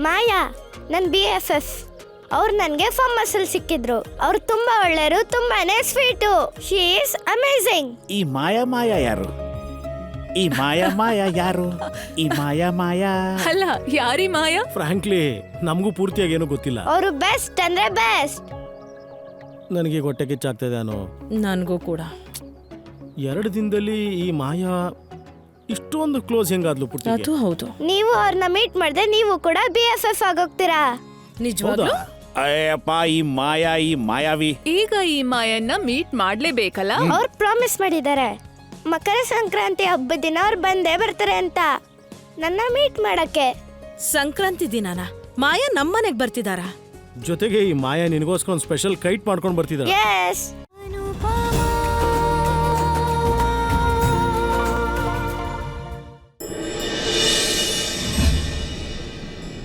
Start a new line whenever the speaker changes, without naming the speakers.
ಮಾಯಾ ನನ್ನ BFF. ಅವ್ರು ನನಗೆ ಫಾರ್ಮಸ್ ಅಲ್ಲಿ ಸಿಕ್ಕಿದ್ರು. ಅವ್ರು ತುಂಬಾ ಒಳ್ಳೆಯರು, ತುಂಬಾನೇ ಸ್ವೀಟು. She is amazing.
ಈ ಮಾಯಾ ಯಾರು? ಈ ಮಾಯಾ ಯಾರು? ಈ ಮಾಯಾ
ಅಲ್ಲ, ಯಾರಿ ಮಾಯಾ?
ಫ್ರಾಂಕ್ಲಿ ನಮಗೂ ಪೂರ್ತಿಯಾಗಿ ಏನೂ ಗೊತ್ತಿಲ್ಲ.
ಅವರು ಬೆಸ್ಟ್ ಅಂದ್ರೆ ಬೆಸ್ಟ್.
ನನಗೆ ಹೊಟ್ಟೆ ಕಿಚ್ಚಾಗ್ತದೆ.
ನನ್ಗೂ ಕೂಡ.
2 ದಿನದಲ್ಲಿ ಈ ಮಾಯಾ ಇಷ್ಟೊಂದು ಕ್ಲೋಸ್ ಹೆಂಗಾದ್ಲು ಪೂರ್ತಿ?
ಅದು ಹೌದು.
ನೀವು ಅವ್ರನ್ನ ಮೀಟ್ ಮಾಡಿದ್ರೆ ನೀವು ಕೂಡ BFF ಆಗೋಗ್ತೀರಾ.
ನಿಜವಾಗ್ಲೂ?
ಅಯ್ಯಪ್ಪ, ಈ ಮಾಯಾವಿ.
ಈಗ ಈ ಮಾಯನ್ನ ಮೀಟ್ ಮಾಡ್ಲೇಬೇಕಲ್ಲ?
ಅವ್ರು ಪ್ರಾಮಿಸ್ ಮಾಡಿದ್ದಾರೆ ಮಕರ ಸಂಕ್ರಾಂತಿ ಹಬ್ಬದ ದಿನ ಅವ್ರು ಬಂದೇ ಬರ್ತಾರೆ ಅಂತ ನನ್ನ ಮೀಟ್ ಮಾಡಕ್ಕೆ.
ಸಂಕ್ರಾಂತಿ ದಿನಾನ ಮಾಯಾ ನಮ್ಮನೆಗ್ ಬರ್ತಿದಾರಾ?
ಜೊತೆಗೆ ಈ ಮಾಯಾ ನಿನಗೋಸ್ಕರ ಒಂದು ಸ್ಪೆಷಲ್ ಕೈಟ್ ಮಾಡ್ಕೊಂಡು ಬರ್ತಿದ್ದಾಳೆ.
ಎಸ್.